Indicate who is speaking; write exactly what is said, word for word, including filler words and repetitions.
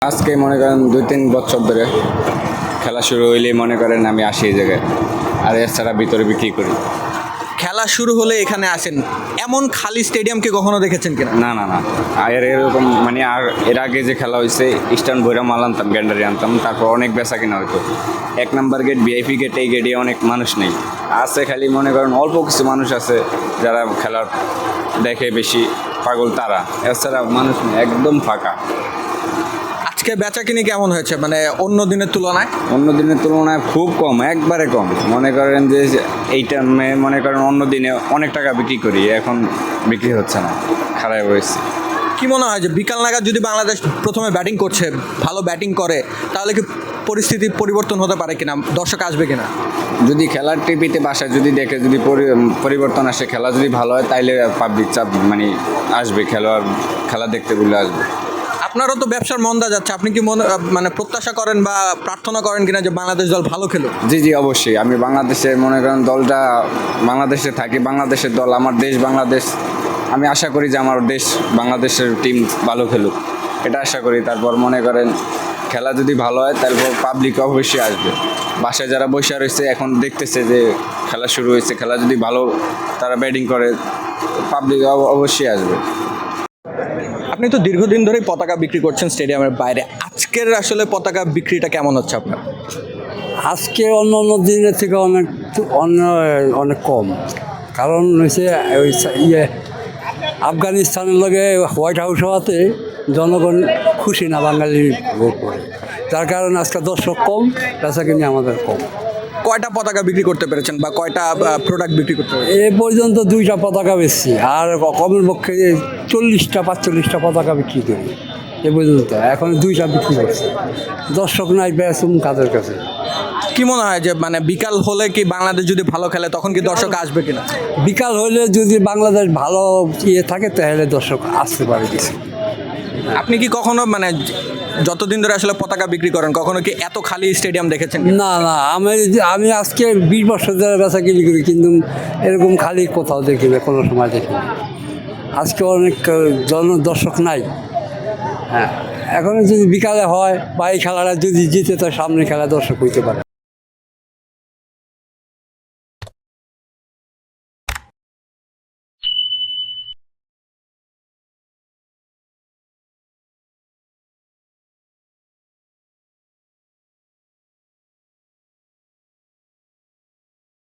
Speaker 1: আজকে মনে করেন দুই তিন বছর ধরে খেলা শুরু হইলেই মনে করেন আমি আসি এই জায়গায়, আর এছাড়া ভিতরে বিক্রি করি।
Speaker 2: খেলা শুরু হলে এখানে আসেন, এমন খালি স্টেডিয়ামকে কখনো দেখেছেন কিনা?
Speaker 1: না না না আর এরকম মানে আর এর আগে যে খেলা হয়েছে ইস্টার্ন ভৈরা মাল আনতাম, গ্যান্ডারি আনতাম, তারপর অনেক বেচা কিনা হতো। এক নাম্বার গেট ভিআইপি গেট, এই গেটে অনেক মানুষ নেই, আছে খালি মনে করেন অল্প কিছু মানুষ আছে যারা খেলার দেখে বেশি পাগল, তারা। এছাড়া মানুষ নেই, একদম ফাঁকা।
Speaker 2: আজকে বেচা কিনি কেমন হয়েছে, মানে অন্য দিনের তুলনায়?
Speaker 1: অন্য দিনের তুলনায় খুব কম, একবারে কম। মনে করেন যে এইটা মনে করেন অন্য দিনে অনেক টাকা বিক্রি করি, এখন বিক্রি হচ্ছে না, খারাপ হয়েছে।
Speaker 2: কি মনে হয় যে বিকাল নাগাদ যদি বাংলাদেশ প্রথমে ব্যাটিং করছে, ভালো ব্যাটিং করে, তাহলে কি পরিস্থিতি পরিবর্তন হতে পারে কিনা, দর্শক আসবে কিনা?
Speaker 1: যদি খেলার টিভিতে বাসায় যদি দেখে, যদি পরিবর্তন আসে, খেলা যদি ভালো হয়, তাইলে পাবলিক চাপ মানে আসবে, খেলোয়াড় খেলা দেখতে বলে আসবে।
Speaker 2: আপনারও তো ব্যবসার মন্দা যাচ্ছে, আপনি কি মনে মানে প্রত্যাশা করেন বা প্রার্থনা করেন কিনা যে বাংলাদেশ দল ভালো খেলুক?
Speaker 1: জি জি অবশ্যই, আমি বাংলাদেশের মনে করেন দলটা বাংলাদেশে থাকি, বাংলাদেশের দল আমার দেশ বাংলাদেশ। আমি আশা করি যে আমার দেশ বাংলাদেশের টিম ভালো খেলুক, এটা আশা করি। তারপর মনে করেন খেলা যদি ভালো হয়, তারপর পাবলিক অবশ্যই আসবে। বাসায় যারা বসে রয়েছে এখন দেখতেছে যে খেলা শুরু হয়েছে, খেলা যদি ভালো তারা ব্যাটিং করে, পাবলিক অবশ্যই আসবে।
Speaker 2: আপনি তো দীর্ঘদিন ধরেই পতাকা বিক্রি করছেন স্টেডিয়ামের বাইরে, আজকের আসলে পতাকা বিক্রিটা কেমন হচ্ছে আপনার?
Speaker 3: আজকে অন্য অন্য দিনের থেকে অনেক অন্য অনেক কম, কারণ হচ্ছে ওই ইয়ে আফগানিস্তানের লগে হোয়াইট হাউস হওয়াতে জনগণ খুশি না বাঙালির ভোট করে, যার কারণে আজকে দর্শক কম, বেচা কিনে আমাদের কম।
Speaker 2: কয়টা পতাকা বিক্রি করতে পেরেছেন বা কয়টা প্রোডাক্ট বিক্রি করতে পেরেছেন?
Speaker 3: এ পর্যন্ত দুইটা পতাকা বেচছি, আর কমের পক্ষে চল্লিশটা পাঁচচল্লিশটা পতাকা বিক্রি করি এ পর্যন্ত, এখন দুইটা বিক্রি করছি। দর্শক নাই, বেচুম কাদের কাছে।
Speaker 2: কি মনে হয় যে মানে বিকাল হলে কি বাংলাদেশ যদি ভালো খেলে তখন কি দর্শক আসবে কিনা?
Speaker 3: বিকাল হলে যদি বাংলাদেশ ভালো ইয়ে থাকে তাহলে দর্শক আসতে পারে কিছু।
Speaker 2: আপনি কি কখনো মানে যতদিন ধরে আসলে পতাকা বিক্রি করেন, কখনো কি এত খালি স্টেডিয়াম দেখেছেন?
Speaker 3: না না, আমি আমি আজকে বিশ বছর ধরে বেচা কিনি করি, কিন্তু এরকম খালি কোথাও দেখি না, কোনো সময় দেখি না। আজকে অনেক জন দর্শক নাই। হ্যাঁ, এখন যদি বিকালে হয় বা এই খেলাটা যদি জিতে, তো সামনে খেলা দর্শক হইতে পারে।